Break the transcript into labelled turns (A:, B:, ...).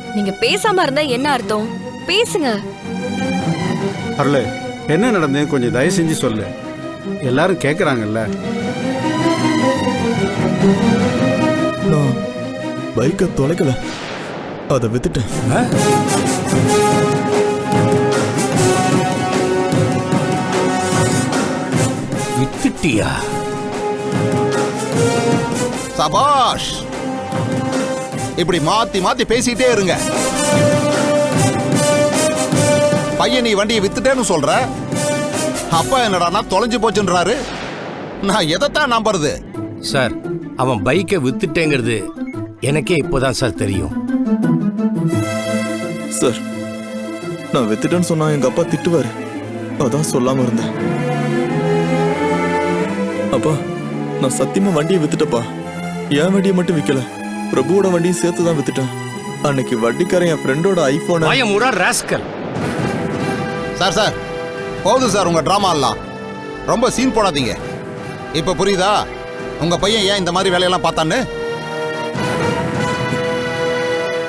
A: நீங்க பேசாம இருந்தா என்ன அர்த்தம்? பேசுங்க.
B: அருளே, என்ன நடந்தது கொஞ்சம் தயவு செஞ்சு சொல்லு. எல்லாரும் கேட்குறாங்கல்ல.
C: நான் பைக்கை தொலைக்கல, அதை வித்துட்டேன்.
D: வித்துட்டியா?
E: சபாஷ். இப்படி மாத்தி மாத்தி பேசிட்டே இருங்க. பையன் நீ வண்டியை வித்துட்டேன்னு சொல்ற, அப்பா என்னடா தொலைஞ்சு போச்சுன்றாரு. நான் எதைத்தான் நம்புறது?
D: சார், அவன் பைக்கை வித்துட்டேங்கிறது எனக்கே இப்போதான் சார் தெரியும்.
C: சார், நான் வித்துட்டேன்னு சொன்னா எங்க அப்பா திட்டுவாரு, அதான் சொல்லாம இருந்தேன். அப்பா, நான் சத்தியமா வண்டியை வித்துட்டப்பா. என் வண்டியை மட்டும் விற்கல, பிரபுவோட வண்டியும் சேர்த்து தான் வித்துட்டேன். அன்னைக்கு வட்டிக்காரன் என் ஃப்ரெண்டோட ஐபோன்.
D: ராஸ்கல்.
E: சார் சார், போதும் சார் உங்க டிராமா எல்லாம். ரொம்ப சீன் போடாதீங்க. இப்ப புரியுதா உங்க பையன் ஏன் இந்த மாதிரி வேலையெல்லாம் பார்த்தான்னு?